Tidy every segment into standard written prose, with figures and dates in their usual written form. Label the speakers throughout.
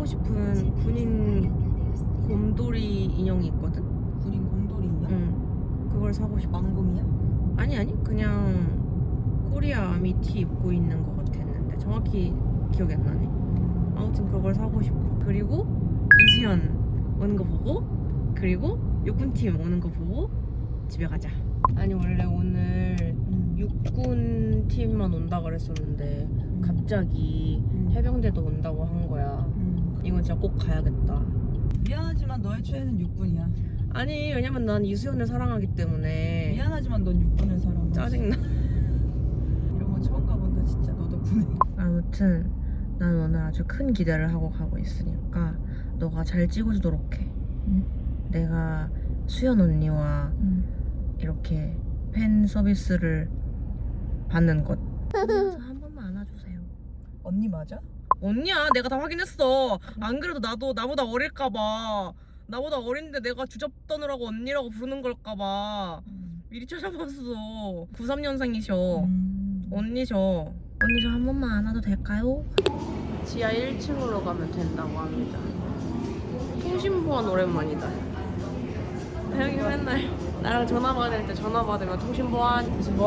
Speaker 1: 싶은 군인 곰돌이 인형이 있거든?
Speaker 2: 군인 곰돌이 인형?
Speaker 1: 응. 그걸 사고 싶어.
Speaker 2: 왕금이야?
Speaker 1: 아니 그냥 코리아 아미 티 입고 있는 것 같았는데 정확히 기억이 안 나네. 아무튼 그걸 사고 싶어. 그리고 이수연 오는 거 보고, 그리고 육군팀 오는 거 보고 집에 가자. 아니 원래 오늘 육군 팀만 온다 그랬었는데 갑자기 해병대도 온다고 한 거야. 이건 진짜 꼭 가야겠다.
Speaker 2: 미안하지만 너의 최애는 육군이야.
Speaker 1: 아니 왜냐면 난 이수연을 사랑하기 때문에.
Speaker 2: 미안하지만 넌 육군을 사랑해.
Speaker 1: 짜증나.
Speaker 2: 이런 거 처음 가본다 진짜. 너 덕분에.
Speaker 1: 아무튼 난 오늘 아주 큰 기대를 하고 가고 있으니까 너가 잘 찍어주도록 해. 내가 수연 언니와 이렇게 팬 서비스를 받는 것. 한 번만 안아주세요.
Speaker 2: 언니 맞아?
Speaker 1: 언니야, 내가 다 확인했어. 안 그래도 나도 나보다 어릴까봐. 나보다 어린데 내가 주접 떠느라고 언니라고 부르는 걸까봐 미리 찾아봤어. 93년생이셔. 언니셔. 언니 저 한 번만 안아도 될까요? 지하 1층으로 가면 된다고 합니다. 통신보안 오랜만이다. 여기 맨날 나랑 전화 받을 때 전화 받으면 통신보안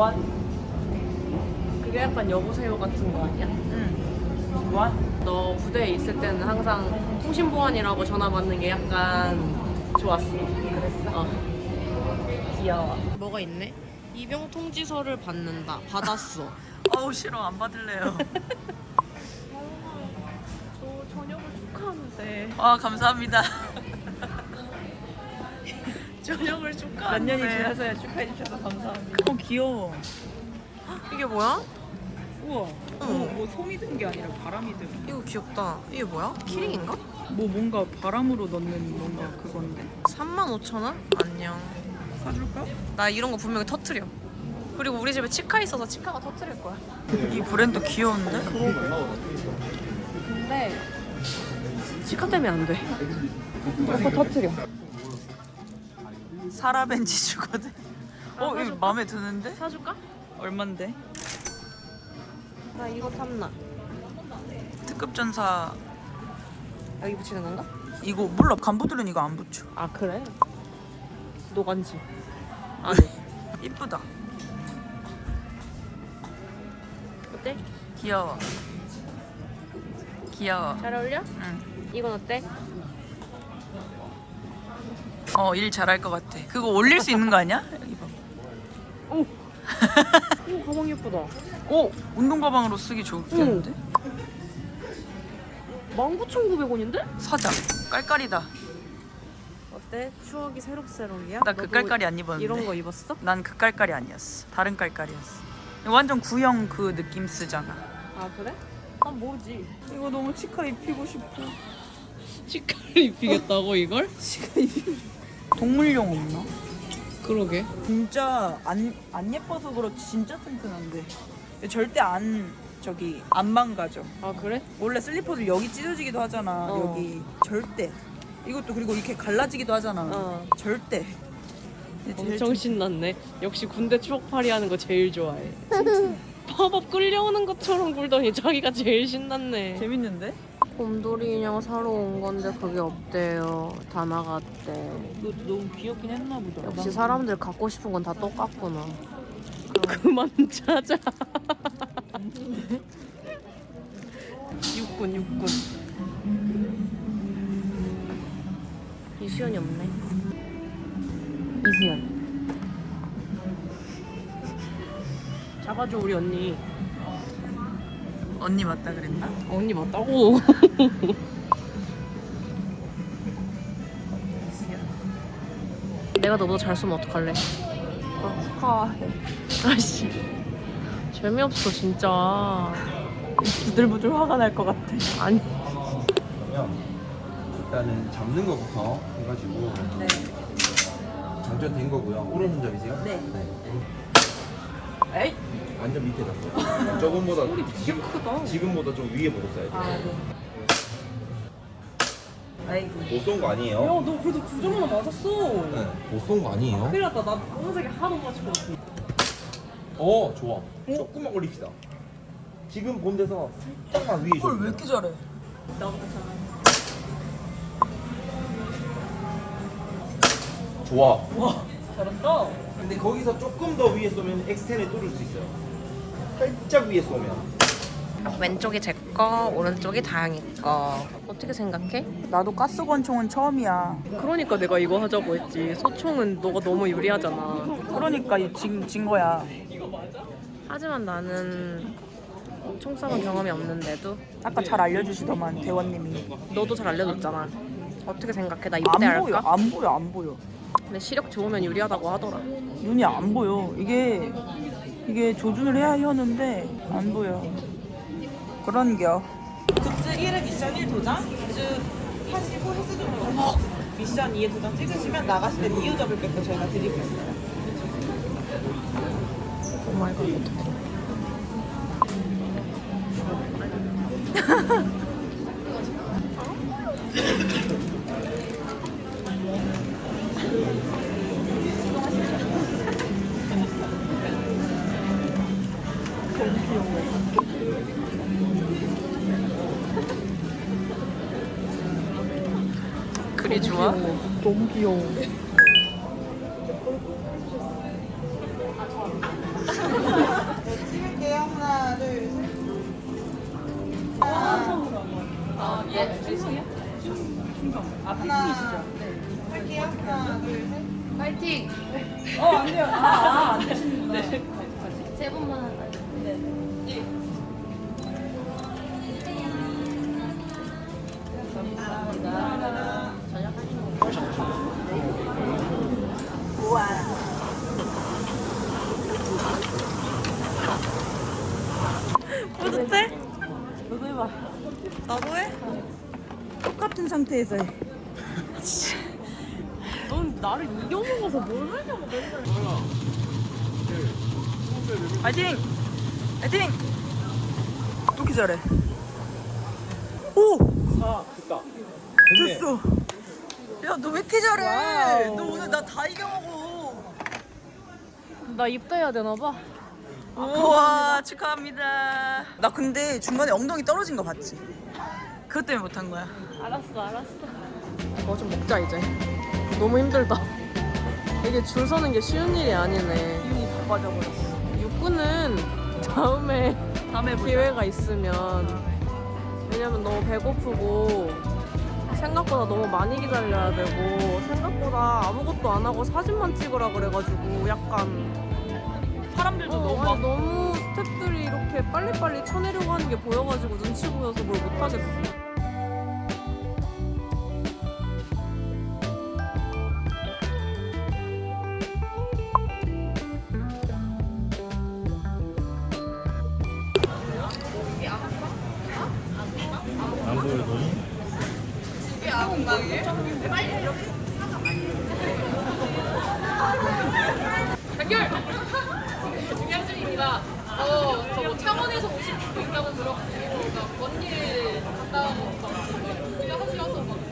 Speaker 1: 그게 약간 여보세요 같은 거 아니야?
Speaker 2: 응.
Speaker 1: 너 부대에 있을 때는 항상 통신보안이라고 전화 받는 게 약간 좋았어. 그랬어?
Speaker 2: 귀여워.
Speaker 1: 뭐가 있네? 입영 통지서를 받는다. 받았어.
Speaker 2: 어우 싫어. 안 받을래요.
Speaker 1: 저 저녁을 축하하는데.
Speaker 2: 아 감사합니다.
Speaker 1: 저녁을
Speaker 2: 몇
Speaker 1: 축하하는데.
Speaker 2: 년이 지나서야 축하해 주셔서 감사합니다. 귀여워.
Speaker 1: 이게 뭐야?
Speaker 2: 우와.
Speaker 1: 응.
Speaker 2: 뭐 솜이 든 게 아니라 바람이 든.
Speaker 1: 이거 귀엽다. 이게 뭐야? 키링인가?
Speaker 2: 뭐 뭔가 바람으로 넣는 뭔가 그건데.
Speaker 1: 35,000원? 안녕.
Speaker 2: 사줄까?
Speaker 1: 나 이런 거 분명히 터트려. 그리고 우리 집에 치카 있어서 치카가 터트릴 거야.
Speaker 2: 이 브랜드 귀여운데?
Speaker 1: 근데 치카 때문에 안 돼. 자꾸 터트려.
Speaker 2: 사라벤지 주거든. 이거
Speaker 1: 사줄까?
Speaker 2: 마음에 드는데?
Speaker 1: 사줄까?
Speaker 2: 얼만데?
Speaker 1: 나 이거 탐나.
Speaker 2: 특급 전사
Speaker 1: 여기 붙이는 건가?
Speaker 2: 이거 몰라. 간부들은 이거 안 붙여.
Speaker 1: 아 그래? 노간지. 아니.
Speaker 2: 이쁘다.
Speaker 1: 어때?
Speaker 2: 귀여워. 귀여워.
Speaker 1: 잘 어울려?
Speaker 2: 응.
Speaker 1: 이건 어때?
Speaker 2: 일 잘할 것 같아. 그거 올릴 수 있는 거 아니야? 이거.
Speaker 1: 오 가방 예쁘다.
Speaker 2: 운동 가방으로 쓰기 좋겠는데?
Speaker 1: 19,900원인데?
Speaker 2: 사자. 깔깔이다.
Speaker 1: 어때? 추억이 새록새록이야?
Speaker 2: 나 그 깔깔이 안 입었는데.
Speaker 1: 이런 거 입었어?
Speaker 2: 난 그 깔깔이 아니었어. 다른 깔깔이었어. 이거 완전 구형 그 느낌 쓰잖아.
Speaker 1: 아 그래? 난 모르지.
Speaker 2: 이거 너무 치카 입히고 싶어.
Speaker 1: 치카를 입히겠다고 이걸?
Speaker 2: 치카 입히고 싶어. 동물용 없나?
Speaker 1: 그러게.
Speaker 2: 진짜 안 예뻐서 그렇지 진짜 튼튼한데 절대 안 망가져.
Speaker 1: 아 그래?
Speaker 2: 원래 슬리퍼들 여기 찢어지기도 하잖아. 여기 절대. 이것도 그리고 이렇게 갈라지기도 하잖아. 절대.
Speaker 1: 엄청 신났네. 역시 군대 추억팔이 하는 거 제일 좋아해. 봐봐 끌려오는 것처럼 굴더니 자기가 제일 신났네.
Speaker 2: 재밌는데?
Speaker 1: 곰돌이 인형 사러 온 건데 그게 없대요. 다 나갔대.
Speaker 2: 너 너무 귀엽긴 했나 보다.
Speaker 1: 역시 사람들 갖고 싶은 건 다 똑같구나. 그만 찾아. 육군. 이수연이 없네. 이수연. 잡아줘 우리 언니.
Speaker 2: 언니 맞다 그랬나?
Speaker 1: 언니 맞다고. 내가 너보다 잘 쏘면 어떡할래?
Speaker 2: 축하해.
Speaker 1: 아씨 재미없어 진짜.
Speaker 2: 부들부들 화가 날 것 같아.
Speaker 1: 아니
Speaker 3: 그러면 일단은 잡는 거부터 해가지고
Speaker 2: 네.
Speaker 3: 장전된 거고요. 오른손잡이세요?
Speaker 2: 네.
Speaker 3: 네.
Speaker 2: 에이.
Speaker 3: 완전 밑에 놨어요. 저번보다
Speaker 2: 크다.
Speaker 3: 지금보다 좀 위에 보셨어야 돼요.
Speaker 2: 네. 아이고.
Speaker 3: 못 쏜 거 아니에요?
Speaker 2: 너 그래도 9점 하나 맞았어.
Speaker 3: 네. 못 쏜 거 아니에요?
Speaker 2: 큰일 났다. 나 검은색이 하도 맞추고.
Speaker 3: 좋아. 조금만 올립시다. 지금 본 데서 살짝만 위에
Speaker 2: 왜 이렇게 잘해?
Speaker 1: 나보다 잘.
Speaker 3: 좋아.
Speaker 2: 잘한다.
Speaker 3: 근데 거기서 조금 더 위에 쏘면 X10에 뚫을 수 있어요. 살짝 위에 쏘면.
Speaker 1: 왼쪽이 제 거, 오른쪽이 다영이 거. 어떻게 생각해?
Speaker 2: 나도 가스권총은 처음이야.
Speaker 1: 그러니까 내가 이거 하자고 했지. 소총은 너가 너무 유리하잖아.
Speaker 2: 그러니까 진 거야.
Speaker 1: 하지만 나는 총 쏴본 경험이 없는데도
Speaker 2: 아까 잘 알려주시더만 대원님이.
Speaker 1: 너도 잘 알려줬잖아. 어떻게 생각해? 나
Speaker 2: 안
Speaker 1: 입대할까?
Speaker 2: 보여, 안 보여, 안 보여.
Speaker 1: 근데 시력 좋으면 유리하다고 하더라.
Speaker 2: 눈이 안 보여. 이게 조준을 해야 하는데 안 보여. 그런겨.
Speaker 4: 굿즈 1회 미션 1 도장, 굿즈 하시고 헬스존으로 미션 2에 도장 찍으시면 나가실 때 이유 적을 것도 저희가 드리고 있어요.
Speaker 1: 그리 좋아?
Speaker 2: 너무 귀여워.
Speaker 4: 찍을게요. 하나, 둘, 셋. 하나, 할게요. 하나, 둘, 셋.
Speaker 5: 파이팅!
Speaker 2: 안 돼요. 안 되시는구나.
Speaker 5: 세 번만 하자.
Speaker 1: 뿌듯해?
Speaker 2: 너도 해봐.
Speaker 1: 나도 해?
Speaker 2: 똑같은 상태에서 해.
Speaker 1: 넌 나를 이겨먹어서 뭘 하냐고 맨날.
Speaker 2: 파이팅! 파이팅! 이렇게 잘해. 오!
Speaker 3: 됐다.
Speaker 2: 됐어. 야, 너 왜 이렇게 잘해? 너 오늘 나 다 이겨먹어.
Speaker 1: 나 입대해야 되나 봐.
Speaker 2: 우와, 축하합니다. 나 근데 중간에 엉덩이 떨어진 거 봤지? 그것 때문에 못한 거야.
Speaker 1: 알았어. 뭐 좀 먹자 이제. 너무 힘들다. 이게 줄 서는 게 쉬운 일이 아니네.
Speaker 2: 기운이 다 빠져버렸어.
Speaker 1: 육군은 다음에
Speaker 2: 보자.
Speaker 1: 기회가 있으면. 왜냐면 너무 배고프고 생각보다 너무 많이 기다려야 되고 생각보다 아무것도 안 하고 사진만 찍으라 그래가지고 약간
Speaker 2: 사람들도
Speaker 1: 아니, 너무 스태프들이 이렇게 빨리빨리 쳐내려고 하는 게 보여가지고 눈치 보여서 뭘 못하겠어.
Speaker 3: 안 보여도.
Speaker 5: 중량승입니다. 저뭐 창원에서 오신 분도 있다고 들었고, 먼 길 갔다 오고, 그냥 혹시 와서 막